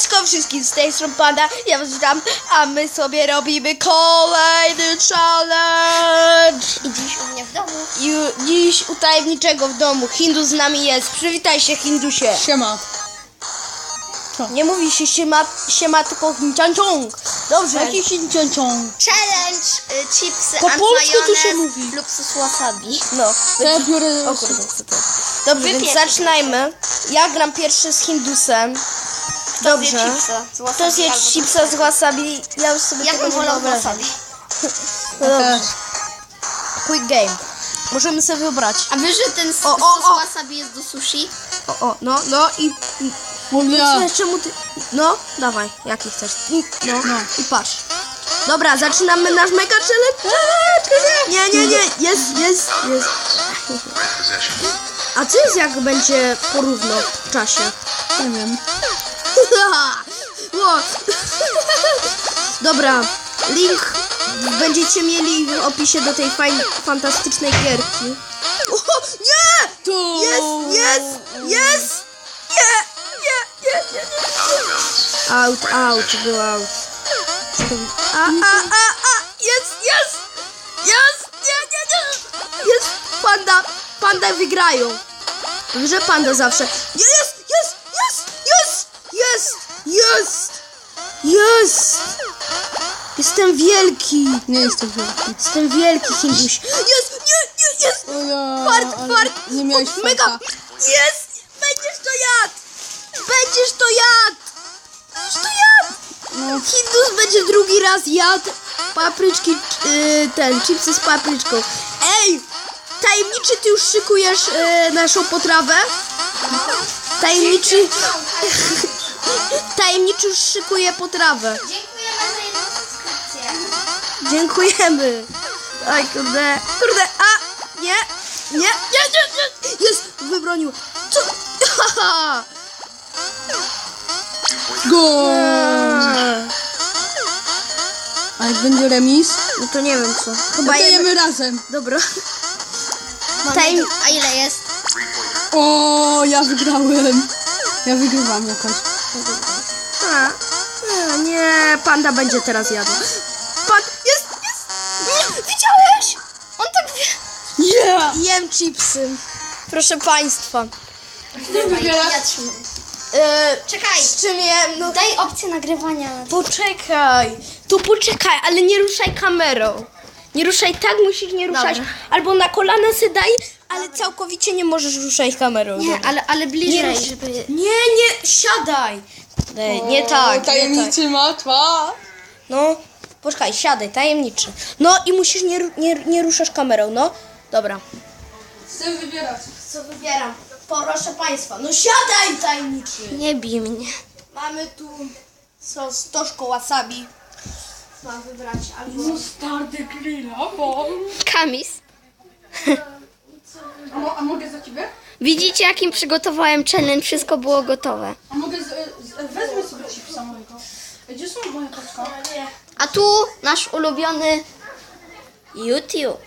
Siemaneczko wszystkim, z tej strony Panda, ja was witam, a my sobie robimy kolejny challenge. I dziś u mnie w domu. Dziś u tajemniczego w domu, Hindus z nami jest, przywitaj się Hindusie. Siema. Nie mówi się siema tylko hincianciąg. Dobrze. Jaki hincianciąg? Challenge chipsy Po and polsku tu się majonez mówi. lub sos wasabi. No. To ja biorę... O kurde, co to jest? Dobrze, więc Wypieram. zaczynajmy. Ja gram pierwszy z Hindusem. Kto zje Dobrze. chipsa z wasabi To zje albo chipsa z wasabi. Ja już sobie Ja tego bym nie wolał wyobrażam. wasabi. No dobrze. Quick game. Możemy sobie wybrać. A wiesz, że ten O, sos o. wasabi jest do sushi? No i... Mówię. Czemu ty... No, dawaj, jaki chcesz. No. I patrz. Dobra, zaczynamy nasz mega challenge. Nie. Jest. A co jest jak będzie porówno w czasie? Nie wiem. Ło. Jest. Link będziecie mieli w opisie do tej fantastycznej gierki. O, nie! To... Jest! Nie! Out, był out. Jest! Nie! Jest! Panda wygrają. Że panda zawsze. Jest! Jestem wielki. Nie jestem wielki. Jestem wielki, Hinduś. Jest! O ja, Fart! Nie miałeś Mega! farta. Jest! Będziesz to jadł! No. Hindus będzie drugi raz jadł papryczki, chipsy z papryczką. Ej! Tajemniczy, ty już szykujesz naszą potrawę? Tajemniczy już szykuje potrawę. Dziękujemy za jedną subskrypcję. Dziękujemy. Oj, kurde. Nie. Jest, wybronił. Co? Go! A jak będzie remis? No to nie wiem co. No Chyba to jemy razem. Dobra. A ile jest? O, ja wygrałem. Ja wygrywam jakoś. Nie, panda będzie teraz jadł. Jest! Nie, widziałeś? On tak Yeah! jem chipsy. Proszę państwa. Ja trzymam. Czekaj. Z czym jem? No, Daj opcję nagrywania. poczekaj, ale nie ruszaj kamerą. Nie ruszaj, tak musisz nie ruszać. Dobra. Albo na kolana se daj, ale całkowicie nie możesz ruszać kamerą. Nie, Dobra. ale bliżej, Nie, żeby... Nie, siadaj. Nie tak. Tajemniczy matwa. No, poczekaj, siadaj, tajemniczy. No i musisz nie ruszasz kamerą, no. Dobra. Chcę wybierać. Co wybieram? Proszę państwa, no siadaj, tajemniczy. Nie bij mnie. Mamy tu sos toszko wasabi. Mam wybrać albo... Stardy grilla, bo... Kamis. A mogę za ciebie? Widzicie, jakim przygotowałem challenge? Wszystko było gotowe. A mogę... Wezmę sobie chipsa mojego. Gdzie są moje paczka? A tu nasz ulubiony YouTube.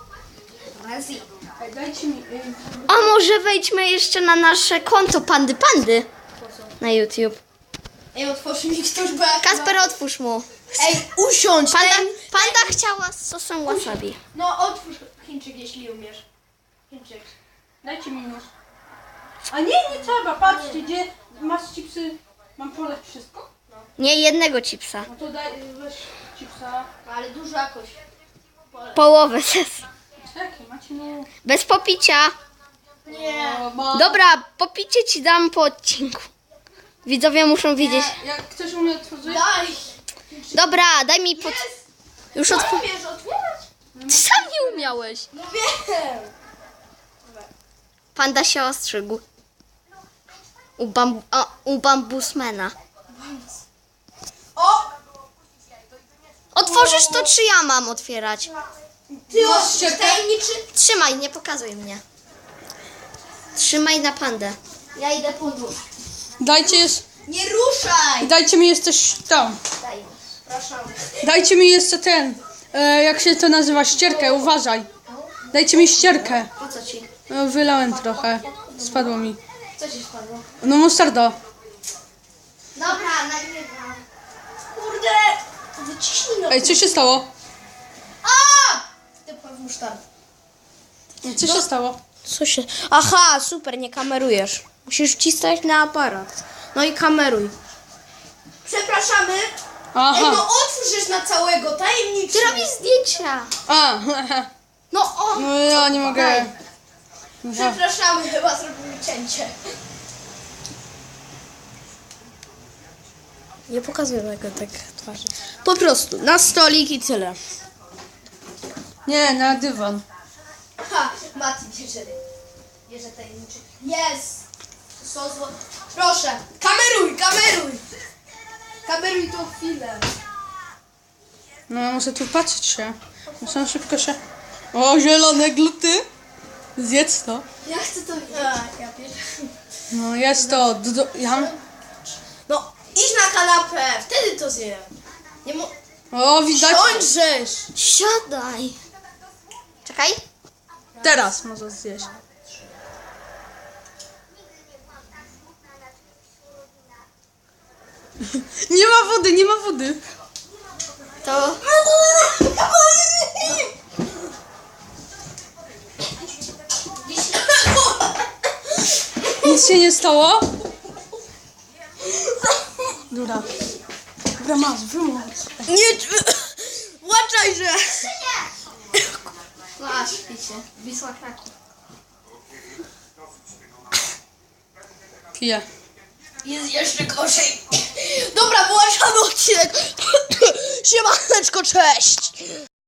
Ej, dajcie mi... A może wejdźmy jeszcze na nasze konto Pandy na YouTube. Ej, otworzy mi ktoś, bo ja Kasper, otwórz mu. Ej, usiądź! Panda chciała z sosem wasabi. No otwórz Chińczyk, jeśli umiesz. Chińczyk. Dajcie mi nóż. A nie trzeba. Patrzcie, gdzie masz chipsy. Mam poleć wszystko? Nie jednego chipsa. No to daj, weź chipsa. Ale dużo jakoś. Połowę ses. Czekaj, macie no... Bez popicia. Nie. Dobra, popicie ci dam po odcinku. Widzowie muszą widzieć. Jak ktoś u mnie otworzyć? Daj! Dobra, daj mi pod... Już Umiesz otwierać? Ty sam nie umiałeś. No wiem. Panda się ostrzygł. U bambusmena. O! Otworzysz to, czy ja mam otwierać? Ty otwórz, tajemniczy. Trzymaj, nie pokazuj mnie. Trzymaj na pandę. Ja idę po nóż. Nie ruszaj! Dajcie mi jeszcze tam. Daj. Proszę. Dajcie mi jeszcze ten. Jak się to nazywa? Ścierkę, uważaj. Dajcie mi ścierkę. Po co ci? No, wylałem trochę. Spadło mi. Co ci spadło? No mustarda. Dobra, nagrywam. Kurde! Wyciśnij no. Ej, co się stało? Ty pewnie start. Co się stało? Co się... Aha, super, nie kamerujesz. Musisz wcisnąć na aparat. No i kameruj. Przepraszamy. Ej, Aha. no otwórz na całego, tajemniczy. Ty robisz zdjęcia. A, No o. no ja nie mogę. Daj. Przepraszamy, chyba zrobimy cięcie. Nie pokazuję tego tak twarzy. Po prostu, na stolik i tyle. Nie, na dywan. Ha, Mati bierze tajemniczy. Jest. Są zło... Proszę, kameruj. Kameruj tą chwilę. No ja muszę tu patrzeć się. Muszę szybko się... O, zielone gluty. Zjedz to. Ja chcę to widzieć. Ja pierwszy. No jest to. Ja... No, idź na kanapę, wtedy to zjem. Nie mo... O, widać. Siądźżesz. Siadaj. Czekaj. Teraz może zjeść. Nie ma wody. To... Nic się nie stało? Dobra. Dobra, masz, wyłącz. Nie, włączaj, że... Masz, picie. Wisła Kraków. Piję. Jest jeszcze gorzej. Dobra, włączamy odcinek. Siemaneczko, cześć.